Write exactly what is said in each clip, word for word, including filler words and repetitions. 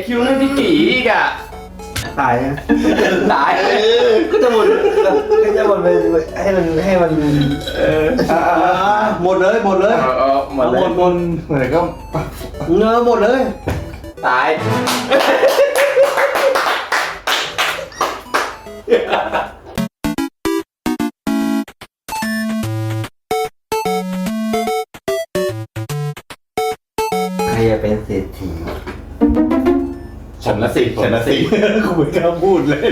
คิวให้พี่กีอีกอ่ะตายนะตายก็จะหมดก็จะหมดไปให้มันให้มันเออหมดเลยหมดเลยหมดเลยหมดหมดเหมือนก็เนื้อหมดเลยตายใครจะเป็นเศรษฐีฉันละสิฉันละสิกูไม่กล้าพูดเลย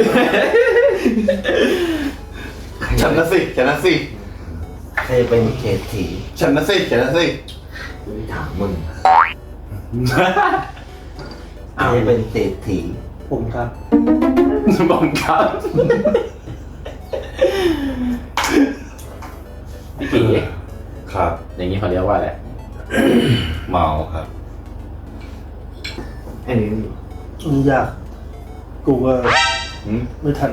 ฉันนะสิฉันนะสิใครจะเป็นเศรษฐีฉันนะสิฉันนะสิถามมึงใครจะเป็นเศรษฐีผมครับผมครับพี่กีครับอย่างนี้เขาเรียกว่าอะไรเมาครับไอ้นี่มันยากกูก็ไม่ทัน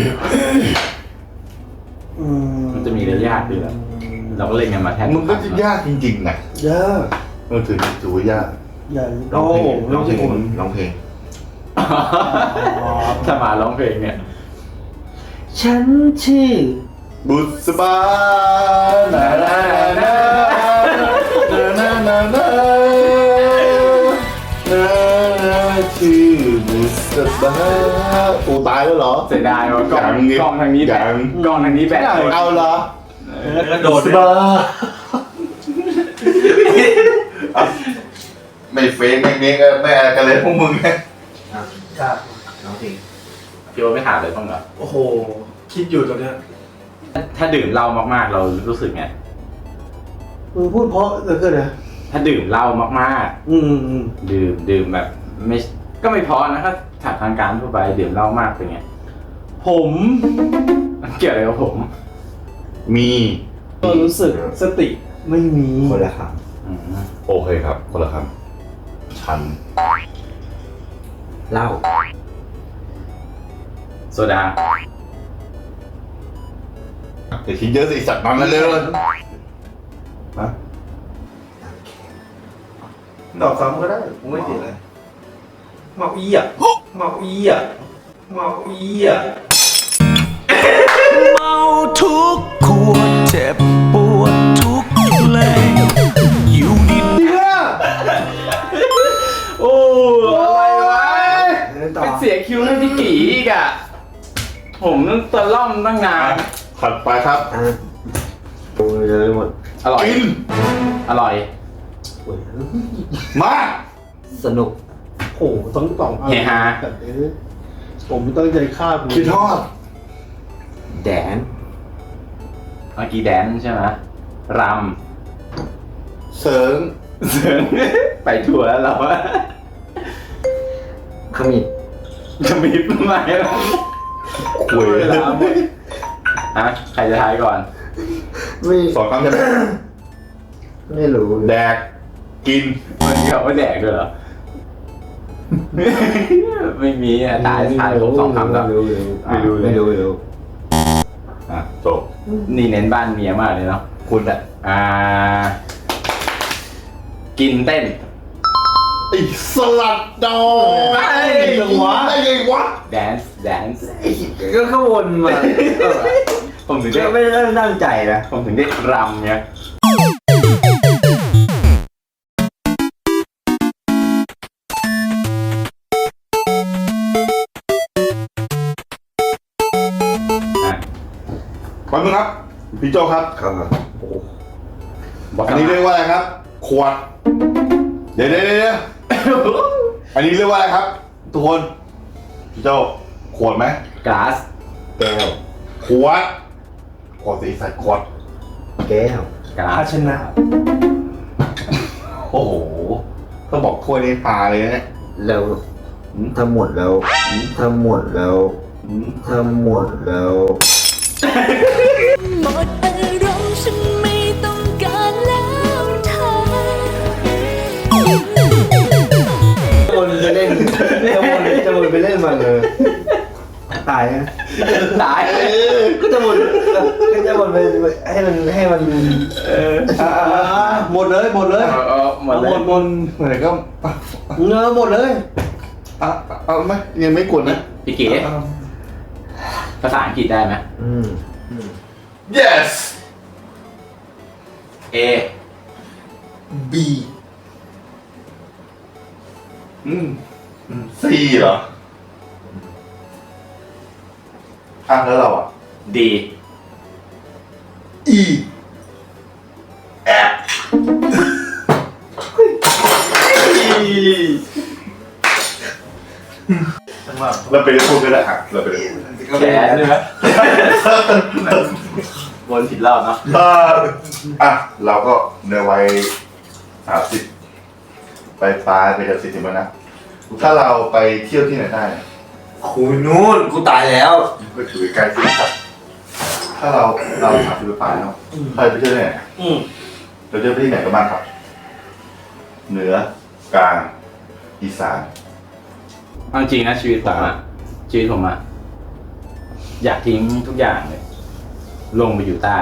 มันจะมีเรื่องยากด้วยแหละเราก็เล่นกันมาแทบมึงก็จะยากจริงๆนะยากเออถือถือว่ายากยากร้องเพลงร้องเพลงร้องเพลงถ้ามาร้องเพลงเนี่ยฉันชื่อบุษบานานานานานานานาชื่อบุษบาโอ้ตายแล้วเหรอเสียดายว่ะกล้องกล้องทางนี้แบตกล้องทางนี้แบตเอาเหรอบุษบาไม่เฟกไม่เมกไม่อะไรกันเลยพวกมึงเนี่ยครับน้องเพลงพี่โอ๊ตไม่ถามเลยบ้างเหรอโอ้โหคิดอยู่ตอนเนี้ยถ้าดื่มเหล้ามากๆเรารู้สึกไงมึงพูดเพราะเหลือเกินนะถ้าดื่มเหล้ามากๆอืมดื่มดื่มแบบไม่ก็ไม่เพราะนะถ้าถามทางการทั่วไปดื่มเหล้ามากเป็นไงผมเกี่ยวอะไรกับผมมีก็รู้สึกสติไม่มีคนละคำโอเคครับคนละคำฉันเหล้าโซดาเดี๋ยวคิดเยอะสิจัดมันมาเร็วฮะตอบซ้ำก็ได้ผมไม่ติดเลยเมาอี้อ่ะเมาอี้อ่ะเมาอี้อ่ะเมาทุกขวดเจ็บปวดทุกเพลงอยู่ดินโอ้อะไรวะเป็นเสียคิวให้พี่กีอีกอ่ะผมต้องตะล่อมตั้งนานถัดไปครับโอ้ยเลยหมดอร่อยกินอร่อยมาสนุกโอ้ต้องตอบเฮฮาผมตั้งใจฆ่าคุณคิดทอดแดนเมื่อกี้แดนใช่ไหมรำเสริงเสริงไปทัวร์แล้วเราอะขมิบขมิบทำไมล่ะคุยแล้วฮะใครจะทายก่อนสองคำใช่ไหมไม่รู้แดกกินมันเกี่ยวกับแดกด้วยเหรอไม่มีอ่ะตายทายผมสองคำแล้วไม่รู้ไม่รู้ไม่รู้อ่ะจบนี่เน้นบ้านเมียมากเลยเนาะคุณแหละอ่ากินเต้นไอ้สลัดดอกไอ้วะไอ้ไงวะแดนซ์แดนซ์ก็ขวนมาผมถึงได้ไม่ได้ตั้งใจนะผมถึงได้รำเนี่ยขอบคุณครับพี่โจครับครับอันนี้เรียกว่าอะไรครับขวดเดี๋ยวเดี๋ยวเดี๋ยวอันนี้เรียกว่าอะไรครับทุกคนพี่โจขวดไหมก๊าซแก้วขวดขวดสีสันขวดแก้วภาชนะโอ้โหต้องบอกถ้วยนี้พาเลยนะแล้วทำหมดแล้วทำหมดแล้วทำหมดแล้วหมดอารมณ์ฉันไม่ต้องการแล้วเธอคนจะเล่นจะวนจะวนไปเล่นมันเลยตายนะตายก็จะวนก็จะวนไปให้มันให้มันหมดเลยหมดเลยหมดเลยหมดหมดเหมือนก็เนื้อหมดเลยอ่ะเอาไหมยังไม่กวนนะพี่เก๋ภาษาอังกฤษได้ไหมอืม yes A B อืมC เหรออ่ะแล้วเราอ่ะ D E F เราไปเล่นพูดก็ได้อ่ะเราไปเล่นพูดแขนใช่ไหมวนผิดรอบเนาะเอ่ออ่ะเราก็ในวัยสามสิบไปปลายไปจะสี่สิบแล้วนะ ถ้าเราไปเที่ยวที่ไหนได้เนี่ยคุยนู่นกูตายแล้วก็ถือใกล้ที่ครับถ้าเราเราสามสิบไปปลายเนาะใครไปเที่ยวที่ไหนอืมเราเที่ยวไปที่ไหนกันบ้างครับ เหนือกลางอีสานเอาจริงนะชีวิตผมอะชีวิตผมอะอยากทิ้งทุกอย่างเลย ลงไปอยู่ใต้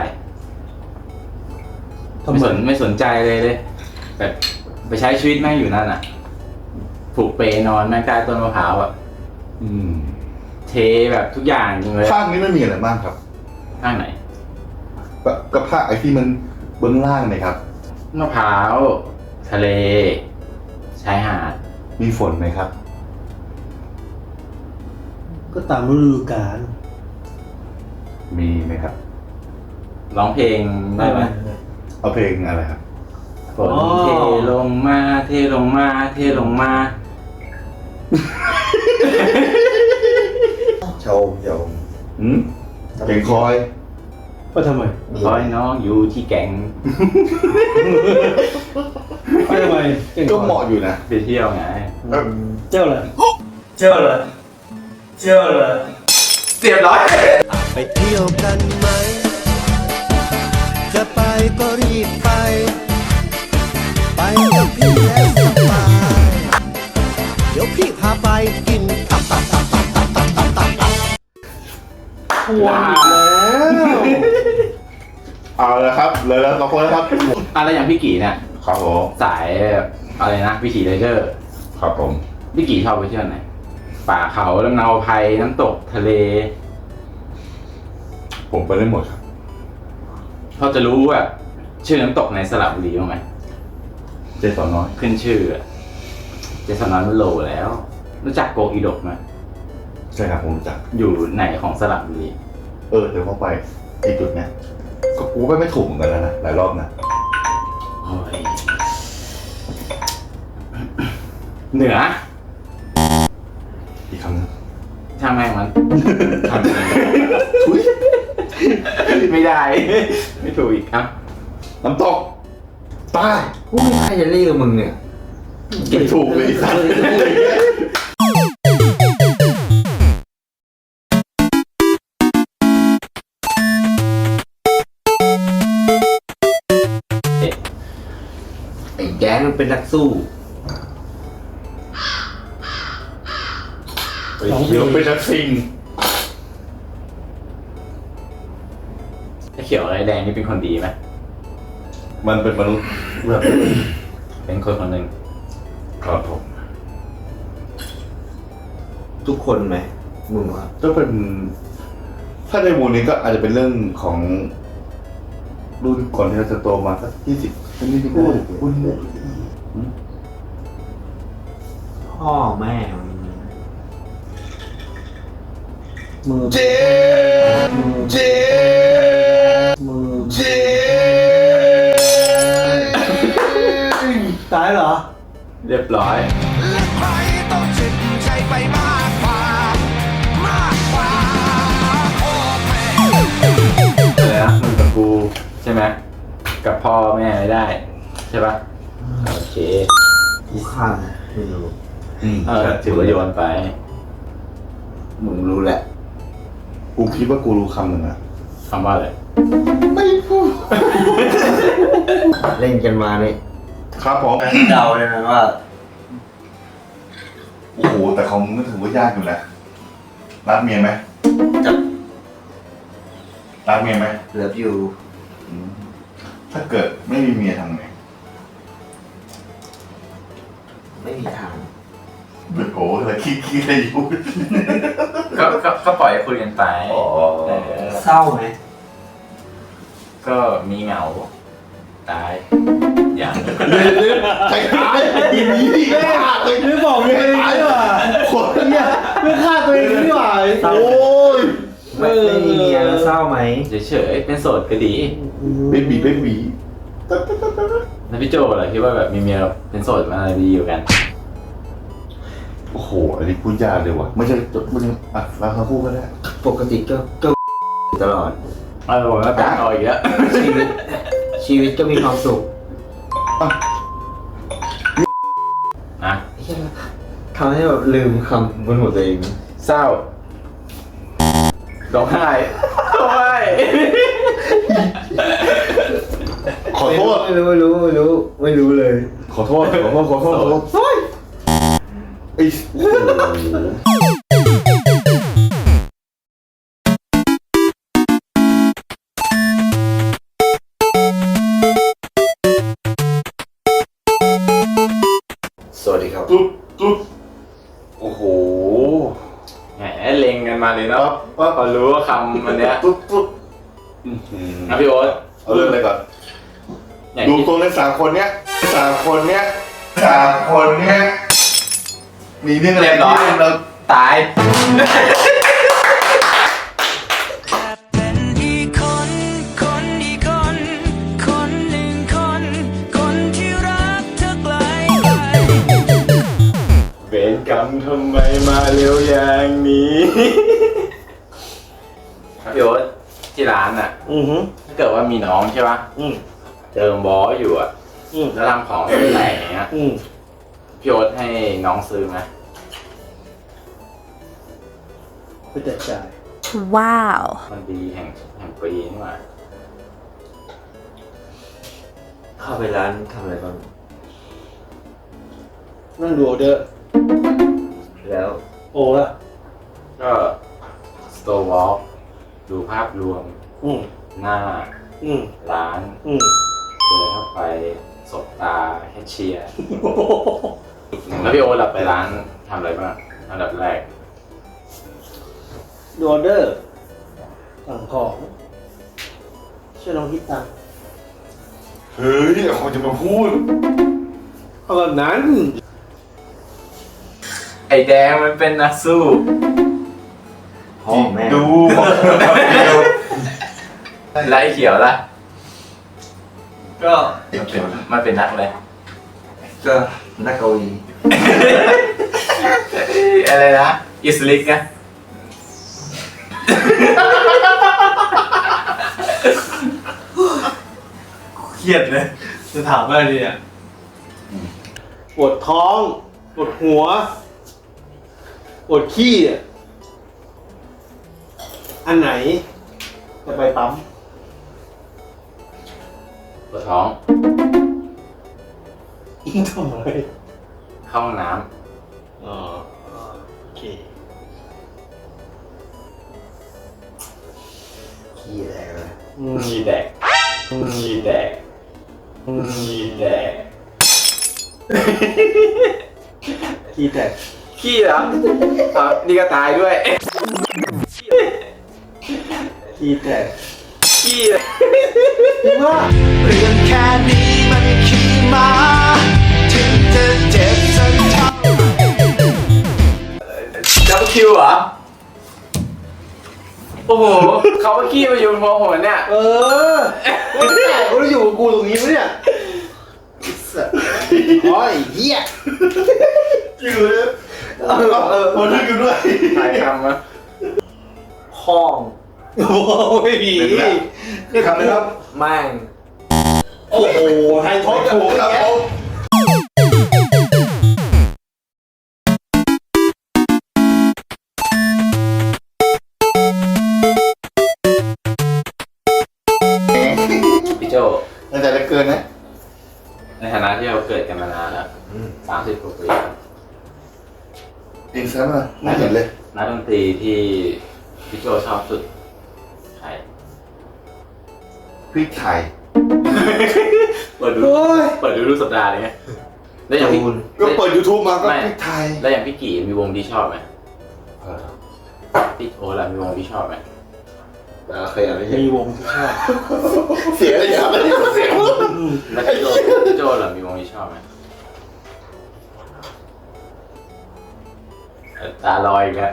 ไม่สนไม่สนใจเลยเลยแบบไปใช้ชีวิตแม่งอยู่นั่นอะผูกเปนอนแม่งใต้ต้นมะพร้าวอะอืมเทแบบทุกอย่างจริงเลยภาคนี้ไม่มีอะไรบ้างครับข้างไหนก็ก็ภาคไอ้ที่มันเบื้องล่างเลยครับมะพร้าวทะเลชายหาดมีฝนไหมครับก็ตามฤดูกาลมีไหมครับร้องเพลงได้ไหมเอาเพลงอะไรครับฝนเทลงมาเทลงมาเทลงมาชมชมอืมเพลงคอยก็ทำไมคอยน้องอยู่ที่แก่งก็ทำไมก็เหมาะอยู่นะไปเที่ยวไงเจ้าเลยเจ้าเลยเจ้าเลยเรียบร้อยไปเที่ยวกันไหม จะไปก็รีบไป ไปกับพี่แล้วสบาย เดี๋ยวพี่พาไปกินตับตับตับตับตับตับตับตับตับทวนอีกแล้วเอาละครับเลยแล้วสองคนแล้วครับอะไรอย่างพี่กี่เนี่ยครับผมสายอะไรนะวิถีไรเดอร์ครับผมพี่กี่ชอบไปเที่ยวไหนป่าเขาลำเนาไพรน้ำตกทะเลผมไปได้หมดครับเขาจะรู้แบบชื่อน้ำตกในสระบุรีบ้างไหมเจสอนน้อยขึ้นชื่ออะเจสันนอนมันโหลแล้ว รู้จักโกอีดกไหมใช่ครับผมรู้จักอยู่ไหนของสระบุรีเออเดี๋ยวเข้าไปไอ้จุดเนี้ยก็กูไปไม่ถูกเหมือนกันแล้วนะหลายรอบนะโอ้ยเหนืออีกครั้งนึงช่างแม่งมันทำยังไงอุ๊ยไม่ได้ ไม่ถูกอีกครับน้ำตกใต้กูไม่ใช่จะเรียกมึงเนี่ยไม่ถูกเลยไอ้สัสไอ้แก๊งมันเป็นนักสู้เดี๋ยวเป็นนักซิงไอ้เขียวอะไรแดงนี่เป็นคนดีไหมมันเป็นมนุษย์แบบเป็นคนคนหนึ่งครับผมทุกคนไหมมึงว่าก็เป็น ถ้าในหมู่นี้ก็อาจจะเป็นเรื่องของรุ่นก่อนที่เราจะโตมาสักยี่สิบนี่ที่พูดพูดพ่อแม่มือเจเจมือเจตายเหรอเรียบร้อยและใครต้องเจ็บใจไปมากกว่า มากกว่าพ่อแม่อะไรนะมึงกับกูใช่ไหมกับพ่อแม่ไม่ได้ ใช่ปะโอเคกูข้างไม่รู้อืมเออถือว่าโยนไปมึงรู้แหละกูคิดว่ากูรู้คำหนึ่งอะคำว่าอะไรไม่พูดเล่นกันมาเนี่ยครับผมเดาเลยนะว่าโอ้โหแต่ของมึงก็ถือว่ายากอยู่นะรักเมียไหมจะรักเมียไหมเหลืออยู่อืมถ้าเกิดไม่มีเมียทำไงไม่มีทางโอ้โหอะไรคิดคิดอะไรอยู่ก็ก็ก็ปล่อยให้คุยกันไปอ๋อเออเศร้าไหมก็มีเหงาตายอย่างใครตายอีนี้ดิฆ่าตัวเองไม่บอกเลยนี่หว่าคนเนี่ยไม่ฆ่าตัวเองนี่หว่าโอ้ยไม่ไม่มีเมียแล้วเศร้าไหมเฉยๆเป็นโสดก็ดีเบบีเบบีแล้วพี่โจเหรอคิดว่าแบบมีเมียเป็นโสดมันอะไรดีอยู่กันโอ้โหอันนี้พูดยากเลยว่ะไม่ใช่ไม่ใช่อ่ะเราทั้งคู่ก็ได้ปกติก็ก็ตลอดเออผมก็ตัดเอาอีกแล้วชีวิตชีวิตก็มีความสุขนะทำให้แบบลืมคำบนหัวตัวเองเศร้าร้องไห้ร้องไห้ขอโทษไม่รู้ไม่รู้ไม่รู้ไม่รู้เลยขอโทษขอโทษขอโทษขอโทษไอ้โอ้โหสวัสดีครับตุ๊บตุ๊บโอ้โหแหมเล็งกันมาเลยเนาะปั๊บพอรู้ว่าคำมันเนี้ยตุ๊บตุ๊บอื้อหือนะพี่โอ๊ตเอาเรื่องอะไรก่อนอย่างดูที่ตรงในสามคนเนี้ยสามคนเนี้ยสามคนเนี้ยมีเรื่องอะไรที่เราตายเป็นอีกคน คนอีกคน คนหนึ่งคน คนที่รักเธอไกลไกลเวรกรรมทำไมมาเร็วอย่างนี้พี่โอ๊ตที่ร้านอ่ะอือฮึถ้าเกิดว่ามีน้องใช่ปะอืมเจอบอสอยู่อ่ะอืมแล้วทำของแตกอย่างเงี้ยอืมพี่โอ๊ตให้น้องซื้อไหมไม่แตกใจ Wow. มันดีแห่งแห่งปีนี่หว่าเข้าไปร้านทำอะไรบ้างนั่งดูออเดอร์แล้ว โอ้ละก็สโตร์วอล์กดูภาพรวมอืมหน้าอืมร้านอืมเดินเข้าไปสบตาแคชเชียร์แล้วพี่โอ๊ตหลับไปร้านทำอะไรบ้างอันดับแรกดูออเดอร์สั่งของช่วยน้องคิดตังค์เฮ้ยเขาจะมาพูดเอาแบบนั้นไอแดงมันเป็นนักสู้พ่อแม่ดูแล้วไอเขียวล่ะก็มันเป็นมันเป็นนักเลยก็นักเกาหลีอะไรนะอิสลิกนะเครียดเลยจะถามอะไรดีเนี่ยปวดท้องปวดหัวปวดขี้อ่ะอันไหน จะไปปั๊มปวดท้องทำอะไรเข้าห้องน้อ๋อโอเคขี้อะไรวะำชีแดกชีแดกชีแดกขี้แตกขี้เหรออ่ะนี่ก็ตายด้วยขี้แตกขี้จริงว่าเรื่องแค่นี้มันขี่มา ถึงจะเจ็บสักเท่าดับคิวเหรอ โอ้โห เขาว่าขี้มาอยู่บนหัวผมเนี่ยเออไม่แตกกูจะอยู่กับกูตรงนี้ปะเนี่ยสัสโอ้ยเหี้ยจริงเลยเออเออมันนึกอยู่ด้วยถ่ายคำมาห้องโอ้ยผีเป็นคำเลยครับแม่งโอ้โหไทยทอดถูกครับผมพี่โจตั้งแต่เล็กเกินนะในฐานะที่เราเกิดกันมานานแล้วสามสิบกว่าปีเองซะมาไม่เห็นเลยนักดนตรีที่พี่โจชอบสุดใครพริกไทยเปิดดูโอ้ยเปิดดูรูปสัปดาห์เลยไงแล้วอย่างพี่ก็เปิด YouTube มาก็ไม่พริกไทยแล้วอย่างพี่กี่มีวงที่ชอบไหมพี่โอ้ล่ะมีวงที่ชอบไหมเคยอ่านไม่ใช่มีวงที่ชอบเสียเลยครับไม่ได้เสียงแล้วพี่โจพี่โจล่ะมีวงที่ชอบไหมเอ่อตาลอยอีกแล้ว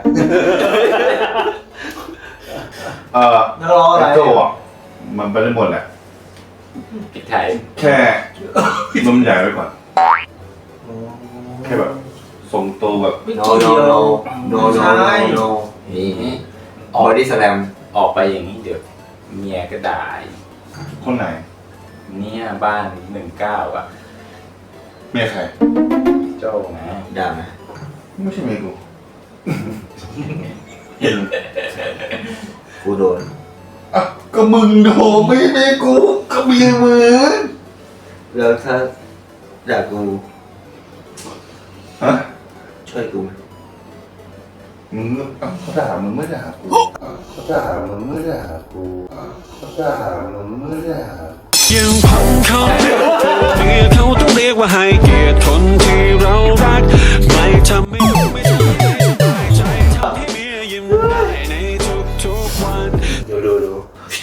เออนักร้องอะไรโจ้อะมันไปได้หมดแหละพริกไทยแค่นมใหญ่ไว้ก่อน แค่แบบทรงตัวแบบไม่เกี่ยว no no ใช่ no no นี่บอดี้สแลมออกไปอย่างนี้เดี๋ยวเมียก็ด่าอีกคนไหนเนี่ยบ้านหนึ่งเก้าอ่ะเมียใครโจ้นะด่าไหมไม่ใช่เมียกู เห็นกูโดนอ่ะก็มึงโดนไม่ใช่เมียกูก็เมียมึงแล้วถ้าด่ากูฮะช่วยกูไหมมึงอ่ะเขาด่ามึงไม่ด่ากูอ่ะเขาด่ามึงไม่ด่ากูอ่ะเขาด่ามึงไม่ด่ายังพังเขาเพื่อเขาต้องเรียกว่าให้เกียรติคนที่เรารัก ไม่ทำไม่ดูไม่ทำให้สบายใจทำให้เมียยิ้มได้ในทุกๆวันดูดูดู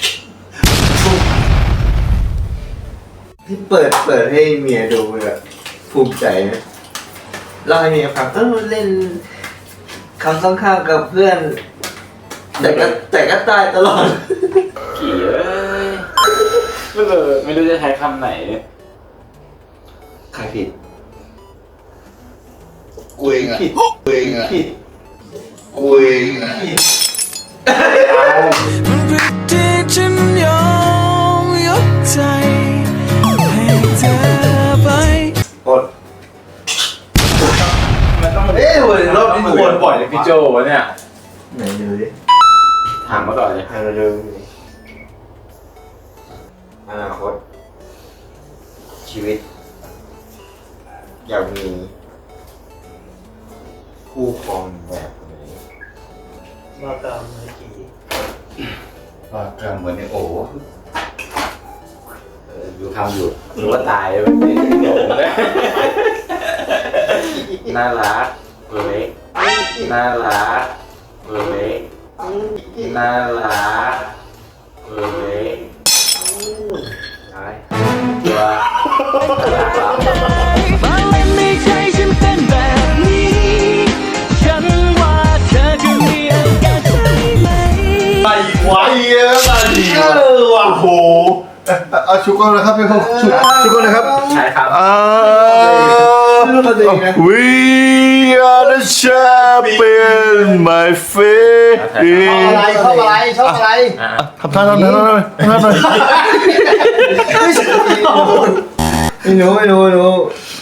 ที่เปิดเปิดให้เมียดูแบบภูมิใจนะเล่าให้เมียฟังเออเล่นคำต้องข้ามกับเพื่อน แต่ก็แต่ก็ตายตลอดกี่เอ้ยไม่รู้ไม่รู้จะใช้คำไหนใครผิดกูเองอ่ะกูเองอ่ะกูเองอ่ะมันผิดที่ฉันยอมยกใจให้เธอไปกดมันต้องเอ๊ะวันรอบนี้ควรปล่อยเลยพี่พี่โจโจวะเนี่ยไหนดูดิถามมาก่อนเลยให้เราดูอนาคต ชีวิต อยากมี คู่ครองแบบไหนมาตามไอ้กี่ปากกลางเหมือนไอ้โอ้เออดูคำอยู่รู้ว่าตายแล้วเนี่ยโง่เลยน่ารักตัวเล็กน่ารักตัวเล็กน่ารักตัวเล็กใช่ตัวน่ารักมาเล่นในใจฉันเป็นแบบนี้ ฉันว่าเธอจะมีอาการใช่ไหมไอ้ควายเยอะมาดีว่ะโอ้โหเอาชุกก่อนนะครับพี่เขาชุกชุกก่อนนะครับใช่ครับอ่ารู้ตัวเองนะ We are the champion my friend อะไรชอบอะไรชอบอะไรอ่ะทำท่าทำท่าทำท่าทำท่าหน่อยไม่รู้ไม่รู้ไม่รู้